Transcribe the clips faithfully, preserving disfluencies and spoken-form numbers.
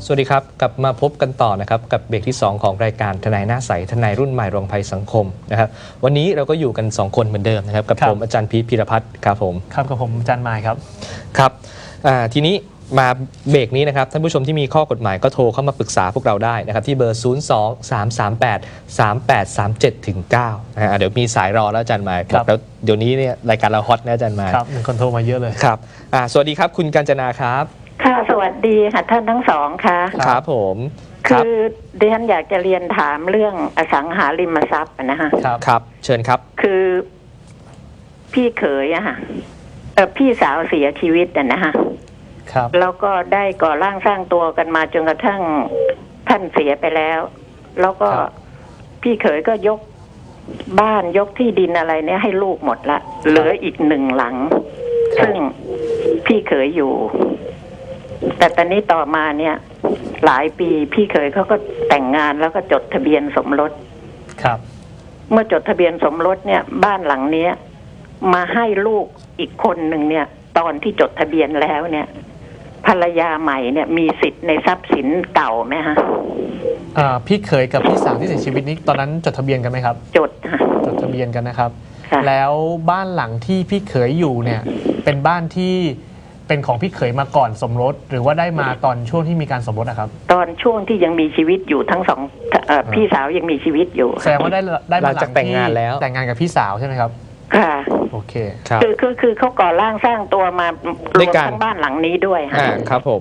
สวัสดีครับกลับมาพบกันต่อนะครับกับเบรกที่สองของรายการทนายหน้าใสทนายรุ่นใหม่รองภัยสังคมนะครับวันนี้เราก็อยู่กันสองคนเหมือนเดิมนะครับกับผมอาจารย์พีทพีรพัฒน์ครับผมครับกับผมอาจารย์มายครับครับทีนี้มาเบรกนี้นะครับท่านผู้ชมที่มีข้อกฎหมายก็โทรเข้ามาปรึกษาพวกเราได้นะครับที่เบอร์ ศูนย์ สอง สาม สาม แปด สาม แปด สาม เจ็ด ถึง เก้า นะฮะเดี๋ยวมีสายรอแล้วอาจารย์มายครับแล้วเดี๋ยวนี้เนี่ยรายการเราฮอตนะอาจารย์มายครับมีคนโทรมาเยอะเลยครับสวัสดีครับคุณกาญจนาครับค่ะสวัสดีค่ะท่านทั้งสองค่ะครับผมคือดิฉันอยากจะเรียนถามเรื่องอสังหาริมทรัพย์นะฮะครับครับเชิญครับคือพี่เขยอะค่ะเออพี่สาวเสียชีวิตอะนะฮะครับแล้วก็ได้ก่อร่างสร้างตัวกันมาจนกระทั่งท่านเสียไปแล้วแล้วก็พี่เขยก็ยกบ้านยกที่ดินอะไรเนี่ยให้ลูกหมดละเหลืออีกหนึ่งหลังซึ่งพี่เขยอยู่แต่ตอนนี้ต่อมาเนี่ยหลายปีพี่เขยเขาก็แต่งงานแล้วก็จดทะเบียนสมรสครับเมื่อจดทะเบียนสมรสเนี่ยบ้านหลังเนี้ยมาให้ลูกอีกคนหนึ่งเนี่ยตอนที่จดทะเบียนแล้วเนี่ยภรรยาใหม่เนี่ยมีสิทธิ์ในทรัพย์สินเก่าไหมฮะอ่าพี่เขยกับพี่สาวที่เสียชีวิตนี้ตอนนั้นจดทะเบียนกันไหมครับจดค่ะจดทะเบียนกันนะครับแล้วบ้านหลังที่พี่เขยอยู่เนี่ยเป็นบ้านที่เป็นของพี่เขยมาก่อนสมรสหรือว่าได้มาตอนช่วงที่มีการสมรสนะครับตอนช่วงที่ยังมีชีวิตอยู่ทั้งสองพี่สาวยังมีชีวิตอยู่แสดงว่าได้ได้มาหลังแต่งงานแล้วแต่งงานกับพี่สาวใช่ไหมครับค่ะโอเคคือคือคือเขาก่อร่างสร้างตัวมารวมทั้งบ้านหลังนี้ด้วยค่ะครับผม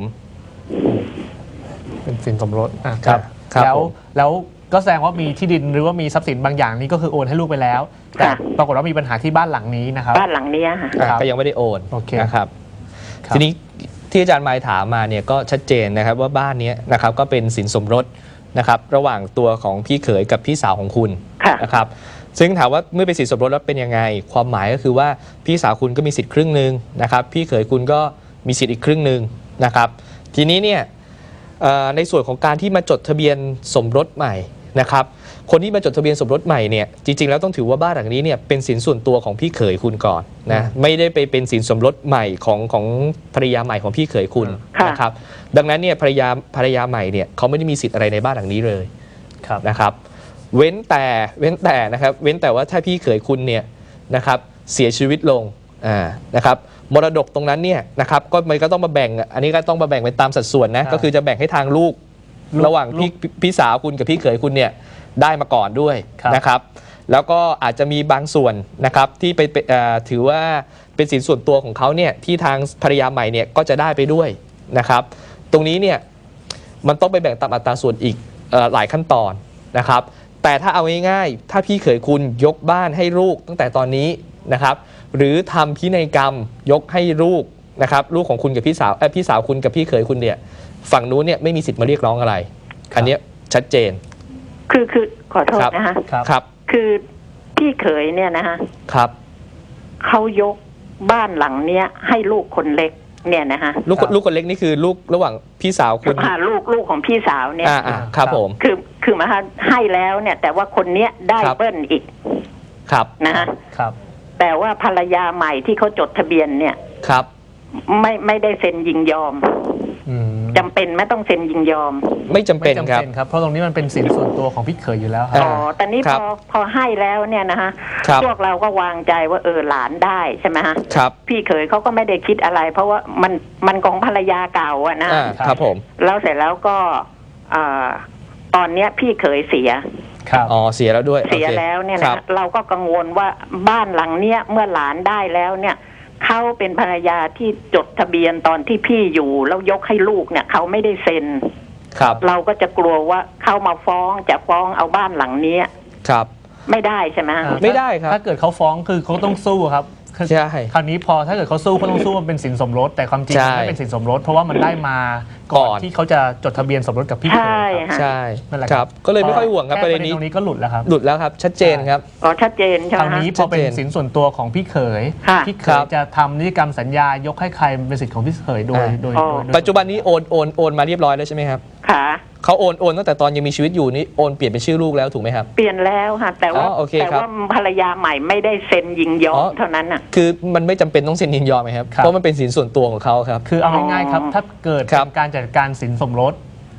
เป็นสินสมรสอ่ะครับแล้วแล้วก็แสดงว่ามีที่ดินหรือว่ามีทรัพย์สินบางอย่างนี้ก็คือโอนให้ลูกไปแล้วแต่ปรากฏว่ามีปัญหาที่บ้านหลังนี้นะครับบ้านหลังนี้ค่ะก็ยังไม่ได้โอนนะครับทีนี้ที่อาจารย์มายถามมาเนี่ยก็ชัดเจนนะครับว่าบ้านนี้นะครับก็เป็นสินสมรสนะครับระหว่างตัวของพี่เขยกับพี่สาวของคุณนะครับซึ่งถามว่าเมื่อเป็นสินสมรสแล้วเป็นยังไงความหมายก็คือว่าพี่สาวคุณก็มีสิทธิ์ครึ่งหนึ่งนะครับพี่เขยคุณก็มีสิทธิ์อีกครึ่งหนึ่งนะครับทีนี้เนี่ยในส่วนของการที่มาจดทะเบียนสมรสใหม่นะครับคนที่มาจดทะเบียนสมรสใหม่เนี่ยจริงๆแล้วต้องถือว่าบ้านหลังนี้เนี่ยเป็นสินส่วนตัวของพี่เขยคุณก่อนนะไม่ได้ไปเป็นสินสมรสใหม่ของของภรรยาใหม่ของพี่เขยคุณนะครับดังนั้นเนี่ยภรรยาภรรยาใหม่เนี่ยเขาไม่ได้มีสิทธิ์อะไรในบ้านหลังนี้เลยนะครับเว้นแต่เว้นแต่นะครับเว้นแต่ว่าถ้าพี่เขยคุณเนี่ยนะครับเสียชีวิตลงอ่านะครับมรดกตรงนั้นเนี่ยนะครับก็มันก็ต้องมาแบ่งอันนี้ก็ต้องมาแบ่งเป็นตามสัดส่วนนะก็คือจะแบ่งให้ทางลูกระหว่างพี่พี่สาวคุณกับพี่เขยคุณเนี่ยได้มาก่อนด้วยนะครับแล้วก็อาจจะมีบางส่วนนะครับที่ไปถือว่าเป็นสินส่วนตัวของเขาเนี่ยที่ทางภรรยาใหม่เนี่ยก็จะได้ไปด้วยนะครับตรงนี้เนี่ยมันต้องไปแบ่งตามอัตราส่วนอีกหลายขั้นตอนนะครับแต่ถ้าเอาง่ายๆถ้าพี่เขยคุณยกบ้านให้ลูกตั้งแต่ตอนนี้นะครับหรือทำพินัยกรรมยกให้ลูกนะครับลูกของคุณกับพี่สาวพี่สาวคุณกับพี่เขยคุณเนี่ยฝั่งนู้นเนี่ยไม่มีสิทธิ์มาเรียกร้องอะไรอันนี้ชัดเจนคือคือขอโทษนะคะครับคือพี่เขยเนี่ยนะคะครับเขายกบ้านหลังเนี้ยให้ลูกคนเล็กเนี่ยนะคะลูกลูกคนเล็กนี่คือลูกระหว่างพี่สาวคุณลูกลูกของพี่สาวเนี่ยอ่าครับผมคือคือมาให้แล้วเนี่ยแต่ว่าคนเนี้ยได้เบิ้ลอีกครับนะคะครับแต่ว่าภรรยาใหม่ที่เขาจดทะเบียนเนี่ยครับไม่ไม่ได้เซ็นยินยอมจำเป็นไม่ต้องเซ็นยินยอมไม่จำเป็นครับเพราะตรงนี้มันเป็นสินส่วนตัวของพี่เขยอยู่แล้วอ๋อแต่นี้พอพอให้แล้วเนี่ยนะฮะพวกเราก็วางใจว่าเออหลานได้ใช่ไหมฮะพี่เขยเขาก็ไม่ได้คิดอะไรเพราะว่ามันมันของภรรยาเก่าอะนะครับผมแล้วเสร็จแล้วก็ตอนเนี้ยพี่เขยเสียอ๋อเสียแล้วด้วยเสียแล้วเนี่ยนะเราก็กังวลว่าบ้านหลังเนี้ยเมื่อหลานได้แล้วเนี่ยเขาเป็นภรรยาที่จดทะเบียนตอนที่พี่อยู่แล้วยกให้ลูกเนี่ยเขาไม่ได้เซ็นครับเราก็จะกลัวว่าเขามาฟ้องจะฟ้องเอาบ้านหลังนี้ครับไม่ได้ใช่ไหมไม่ได้ครับถ้าเกิดเขาฟ้องคือเขาต้องสู้ครับใช่คราวนี้พอถ้าเกิดเขาสู้เขาต้องสู้มันเป็นสินสมรสแต่ความจริงไม่เป็นสินสมรสเพราะว่ามันได้มาก่อนที่เขาจะจดทะเบียนสมรสกับพี่ใช่ใช่ครับก็เลยไม่ค่อยห่วงครับประเด็นนี้ตรงนี้ก็หลุดแล้วครับหลุดแล้วครับชัดเจนครับอ๋อชัดเจนใช่ไหมคราวนี้พอเป็นสินส่วนตัวของพี่เขยพี่เขยจะทำนิติกรรมสัญญายกให้ใครเป็นสิทธิ์ของพี่เขยโดยโดยปัจจุบันนี้โอนโอนโอนมาเรียบร้อยแล้วใช่ไหมครับค่ะเขาโอนโอนตั้งแต่ตอนยังมีชีวิตอยู่นี่โอนเปลี่ยนเป็นชื่อลูกแล้วถูกไหมครับเปลี่ยนแล้วค่ะแต่ว่าแต่ว่าภรรยาใหม่ไม่ได้เซ็นยินยอมเท่านั้นอ่ะคือมันไม่จำเป็นต้องเซ็นยินยอมไหมครับเพราะมันเป็นสินส่วนตัวของเขาครับคือเอาง่ายๆครับถ้าเกิดการจัดการสินสมรส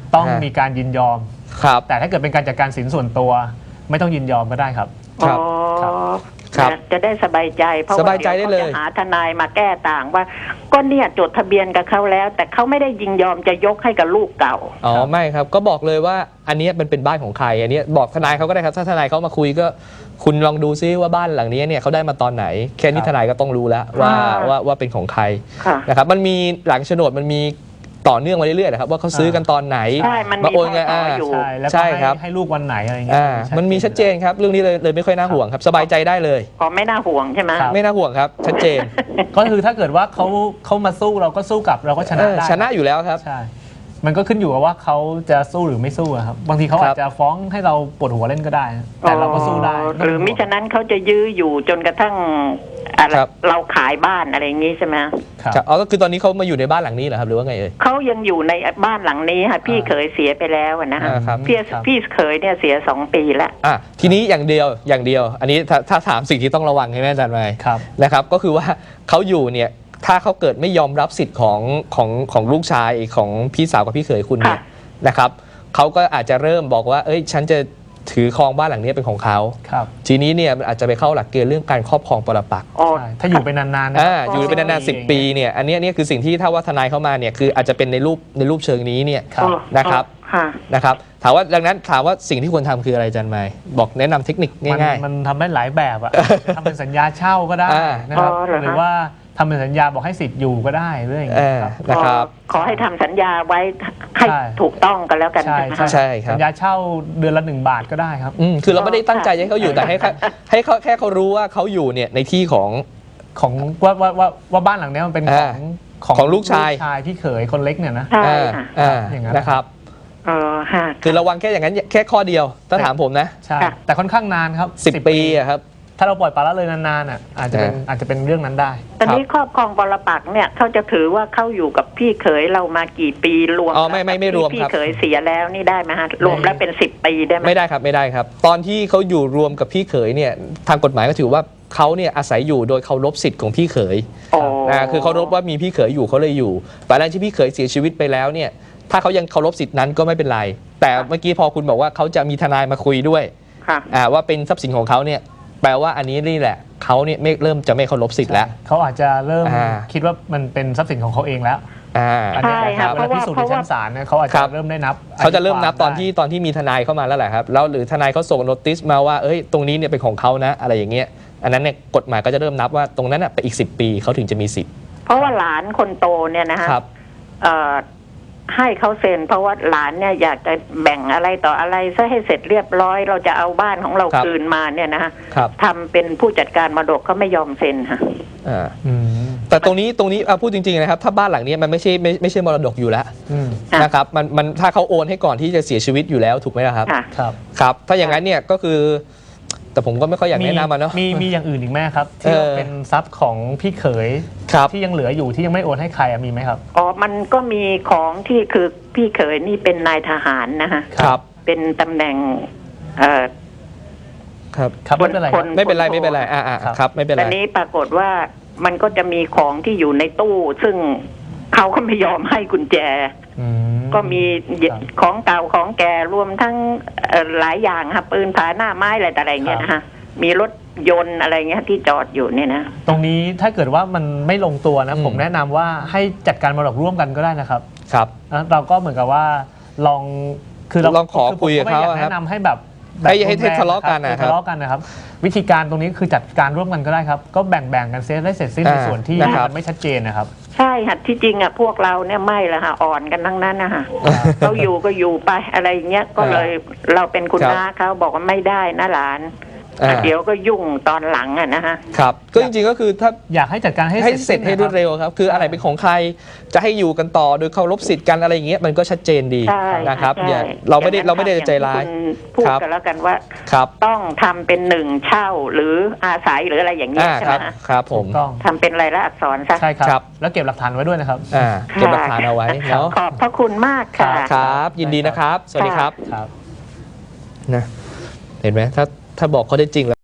ต้องฮะมีการยินยอมครับแต่ถ้าเกิดเป็นการจัดการสินส่วนตัว ไม่ต้องยินยอมก็ได้ครับครับอ๋อครับจะได้สบายใจเพราะสว่าบายใจได้เลยดี๋วขาจะหาทนายมาแก้ต่างว่า ก็เนี่ยจดทะเบียนกับเขาแล้ว แต่เขาไม่ได้ยินยอมจะยกให้กับลูกเก่าอ๋อไม่ครับก็บอกเลยว่าอันเนี้ยมันเป็นบ้านของใครอันเนี้ยบอกทนายเขาก็ได้ครับถ้าทนายเขามาคุยก็คุณลองดูซิว่าบ้านหลังนี้เนี่ยเขาได้มาตอนไหน แค่นี้ครับทนายก็ต้องรู้แล้วว่าค่ะว่าว่าเป็นของใครค่ะนะครับมันมีหลังโฉนดมันมีต่อเนื่องมาเรื่อยๆนะครับว่าเขาซื้อกันตอนไหนใช่มันมีมาโอนเงินพศอ่าอยู่ใช่แล้วก็ใช่ให้ครับให้ลูกวันไหนอะไรเงี้ยอ่ามันมีชัดเจนครับเรื่องนี้เลยเลยไม่ค่อยน่าห่วงครับสบายใจได้เลยอ๋อไม่น่าห่วงใช่ไหมครับไม่น่าห่วงครับชัดเจนก็คือถ้าเกิดว่าเขาเขามาสู้เราก็สู้กลับเราก็ชเอนะอได้ชนะอยู่แล้วครับใช่ มันก็ขึ้นอยู่กับว่าเขาจะสู้หรือไม่สู้อะครับบางทีเขาครัอาบจจะฟ้องให้เราปวดหัวเล่นก็ได้ แต่เราก็สู้ได้หรือมิฉะนั้นเขาจะยื้ออยู่จนกระทั่งอะไรครับเราขายบ้านอะไรอย่างนี้ใช่ไหมครับอ๋อก็คือตอนนี้เขามาอยู่ในบ้านหลังนี้เหรอครับหรือว่าไงเอ่ยเขายังอยู่ในบ้านหลังนี้ค่ะพี่อ่าเขยเสียไปแล้วอะนะฮะอ่าครับพี่ครับพี่เขยเนี่ยเสียสองปีแล้วอ่ะทีนี้อย่างเดียวอย่างเดียว อันนี้ถ้าถ้าถามสิ่งที่ต้องระวังใช่ไหมอาจารย์ไมค์ครับนะครับก็คือว่าเขาอยู่เนี่ยถ้าเขาเกิดไม่ยอมรับสิทธิ์ของของของลูกชายของพี่สาวกับพี่เขยคุณเนี่ยค่ะนะครับเขาก็อาจจะเริ่มบอกว่าเอ้ยฉันจะถือครองบ้านหลังนี้เป็นของเขาครับทีนี้เนี่ยมันอาจจะไปเข้าหลักเกณฑ์เรื่องการครอบครองปรปักษ์อ๋อใช่ถ้าอยู่ไปนานๆนะอ่าอยู่เป็นนานๆสิบปีเนี่ยอันเนี้ยเนี่ยคือสิ่งที่ถ้าว่าทนายเข้ามาเนี่ยคืออาจจะเป็นในรูปในรูปเชิงนี้เนี่ยครับนะครับค่ะนะครับถามว่าดังนั้นถามว่าสิ่งที่ควรทำคืออะไรอาจารย์ไมค์บอกแนะนำเทคนิคมันง่ายมันทำได้หลายแบบอะ ทำเป็นสัญญาเช่าก็ได้อ่านะครับอ๋อเหรอฮะหรือว่าทำเป็นสัญญาบอกให้สิทธิ์อยู่ก็ได้เรื่องอย่างเอเงี้ยอครับนะครับขอขอให้ทำสัญญาไว้ให้ใช่ถูกต้องกันแล้วกันใช่ใช่ไหมใช่คะใช่ครับสัญญาเช่าเดือนละหนึ่งบาทก็ได้ครับอืมคือเราไม่ได้ตั้งใจให้เขาอยู่แต่ให้เขาให้เขาแค่เขารู้ว่าเขาอยู่เนี่ยในที่ของของว่าว่าว่าว่าบ้านหลังเนี้ยมันเป็นของอ่าของลูกชายพี่เขยคนเล็กเนี่ยนะใช่อ่าค่ะอ่าอย่างนั้นนะครับเออฮะคือระวังแค่อย่างนั้นแค่ข้อเดียวถ้าถามผมนะใช่ค่ะแต่ค่อนข้างนานครับสิบปีอะครับถ้าเราปล่อยปละละเลยนานๆอ่ะอาจจะเป็นอ่าอาจจะเป็นเรื่องนั้นได้ตอนนี้ครอบครองปรปักษ์เนี่ยเขาจะถือว่าเขาอยู่กับพี่เขยเรามากี่ปีรวมอ๋อไม่ไม่ไม่รวมที่ครับพี่เขยเสียแล้วนี่ได้ไหมฮะรวมแล้วเป็นสิบปีได้ไหมไม่ได้ครับไม่ได้ครับ ตอนที่เขาอยู่รวมกับพี่เขยเนี่ยทางกฎหมายก็ถือว่าเขาเนี่ยอาศัยอยู่โดยเคารพสิทธิ์ของพี่เขยโอ้นะคือเคารพว่ามีพี่เขยอยู่เขาเลยอยู่แต่หลังที่พี่เขยเสียชีวิตไปแล้วเนี่ยถ้าเขายังเคารพสิทธิ์นั้นก็ไม่เป็นไร แต่เมื่อกี้พอคุณบอกว่าเขาจะมีทนายมาคุยด้วยค่ะอ่าว่าเป็นทรัพย์สินของเขาเนี่ยแปลว่าอันนี้นี่แหละเขาเนี่ยไม่เริ่มจะไม่เคารพสิทธิ์แล้วเขาอาจจะเริ่มอ่าคิดว่ามันเป็นทรัพย์สินของเขาเองแล้วอ่าอันเนี้ยใช่นะคค่ะรับเวลาพิสูจน์ในชั้นศาลเนี่ยเขาอาจครัจะบเริ่มได้นับเขาจะเริ่มนับตอนได้ที่ตอนที่มีทนายเข้ามาแล้วแหละครับแล้วหรือทนายเขาส่งโนติสมาว่าเอ้ยตรงนี้เนี่ยเป็นของเขานะอะไรอย่างเงี้ยอันนั้นเนี่ยกฎหมายก็จะเริ่มนับว่าตรงนั้นน่ะไปอีกสิบปีเขาถึงจะมีสิทธิ์เพราะว่าหลานคนโตเนี่ยนะฮะครับเอ่อให้เขาเซ็นเพราะว่าหลานเนี่ยอยากจะแบ่งอะไรต่ออะไรซะให้เสร็จเรียบร้อย เราจะเอาบ้านของเราครับคืนมาเนี่ยนะฮะครับทำเป็นผู้จัดการมรดกเขาไม่ยอมเซ็นค่ะอ่าอืมแต่ตรงนี้ตรงนี้อ่ะพูดจริงๆนะครับถ้าบ้านหลังนี้มันไม่ใช่ไม่ไม่ใช่มรดกอยู่แล้วอืมค่ะนะครับมันมันถ้าเขาโอนให้ก่อนที่จะเสียชีวิตอยู่แล้วถูกไหมล่ะครับค่ะครับครับถ้าอย่างนั้นเนี่ยก็คือ แต่ผมก็ไม่ค่อยอยากแนะนำมันเนาะมีมีอย่างอื่นอีกไหมครับที่เออเป็นทรัพย์ของพี่เขยครับที่ยังเหลืออยู่ที่ยังไม่โอนให้ใครอะมีไหมครับอ๋อ มันก็มีของที่คือพี่เขยนี่เป็นนายทหารนะฮะครับเป็นตำแหน่ง เอ่อครับครับไม่เป็นไรครับไม่เป็นไรไม่เป็นไรอ่าอ่าครับครับไม่เป็นไรแต่นี้ปรากฏว่ามันก็จะมีของที่อยู่ในตู้ ซึ่งเขาก็ไม่ยอมให้กุญแจอืมก็มีครับของเก่าของแก่รวมทั้งเอ่อหลายอย่างค่ะปืนผาหน้าไม้อะไรแต่อะไรเงี้ยนะฮะมีรถยนต์อะไรเงี้ยที่จอดอยู่เนี่ยนะตรงนี้ถ้าเกิดว่ามันไม่ลงตัวนะอืมผมแนะนำว่าให้จัดการมรดกร่วมกันก็ได้นะครับครับนะเราก็เหมือนกับว่าลองคือเราลองขอคุยกับเขาผมไม่อยากครับแนะนำให้แบบแบบให้ให้รุนแรงทะเลาะกันนะครับทะเลาะกันนะครับ วิธีการตรงนี้คือจัดการร่วมกันก็ได้ครับ ก็แบ่งแบ่งกันเซฟได้เสร็จสิ้นในอ่าส่วนที่นะครับมันไม่ชัดเจนนะครับใช่ค่ะที่จริงอ่ะพวกเราเนี่ยไม่ละค่ะอ่อนกันทั้งนั้นนะคะเขาอยู่ก็อยู่ไปอะไรอย่างเงี้ยก็เลยเราเป็นคุณครับน้าเขาบอกว่าไม่ได้นะหลานอ่าเดี๋ยวก็ยุ่งตอนหลังอ่ะนะฮะครับก็จริงๆก็คือถ้าอยากให้จัดการให้ให้เสร็จให้รวดเร็วครับ คืออะไรเป็นของใครจะให้อยู่กันต่อโดยเคารพสิทธิ์กันอะไรอย่างเงี้ยมันก็ชัดเจนดีใช่นะครับใช่อย่าเราไม่ได้อย่งนั้นเราไม่ได้ครับใจร้ายองที่คุณพูดครับกันแล้วกันว่าครับต้องทำเป็นหนึ่งเช่าหรืออาศัยหรืออะไรอย่างเงี้ยอ่าใช่คไหมรับฮะครับผมถูกต้องทำเป็นรายละอักษรซะใช่ครับครับแล้วเก็บหลักฐานไว้ด้วยนะครับอ่าเก็บหลักฐานเอาไว้เนาะขอบพระคุณมากค่ะครับ ยินดีนะครับ สวัสดีครับครับนะเห็นไหมถ้าถ้าบอกเขาได้จริงแล้ว